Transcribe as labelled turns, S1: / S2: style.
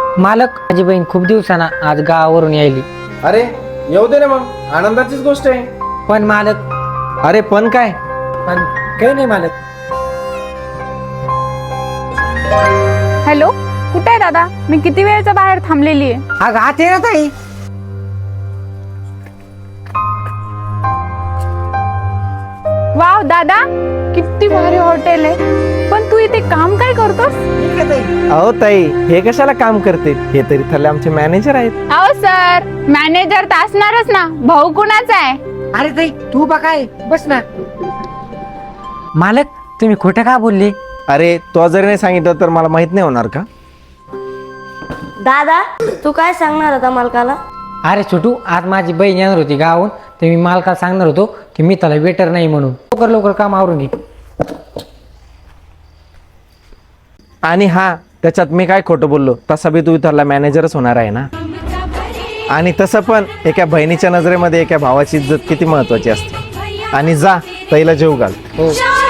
S1: मालक, माझी बहीण खूप दिवसांना आज गावावरून यायली.
S2: अरे येऊ दे ना मग, आनंदाचीच गोष्ट आहे.
S1: पण मालक,
S2: अरे पण काय?
S1: पण काही नाही मालक.
S3: हॅलो, कुठे आहे दादा? मी किती वेळचा बाहेर थांबलेली आहे.
S1: अगं आत ये ना ताई.
S3: वाव दादा, किती भारी हॉटेल आहे. पण तू इथे काम काय करतोस?
S2: अहो ताई, हे कशाला काम करते? हे तरी थल्ले आमचे मॅनेजर आहेत.
S3: अहो सर, मॅनेजर तर असणारच ना. भाऊ कुणाचा आहे?
S1: अरे ताई, तू बघाय बस ना. मालक, तुम्ही खोटं का बोलले?
S2: अरे तो जर नाही सांगितलं तर मला माहित नाही होणार का?
S4: दादा, तू काय सांगणार होता मालकाला?
S1: अरे छोटू, आज माझी बहीण येणार होती गावाहून, तर मी मालकाला सांगणार होतो की मी त्याला वेटर नाही म्हणून. लवकर लवकर काम आवरून घे.
S2: आणि हा, त्याच्यात मी काय खोटं बोललो? तसा बी तू इथला मॅनेजरच होणार आहे ना. आणि तसं पण एका बहिणीच्या नजरेमध्ये एका भावाची इज्जत किती महत्वाची असते. आणि जा, ताईला जेव घाल.
S1: हो.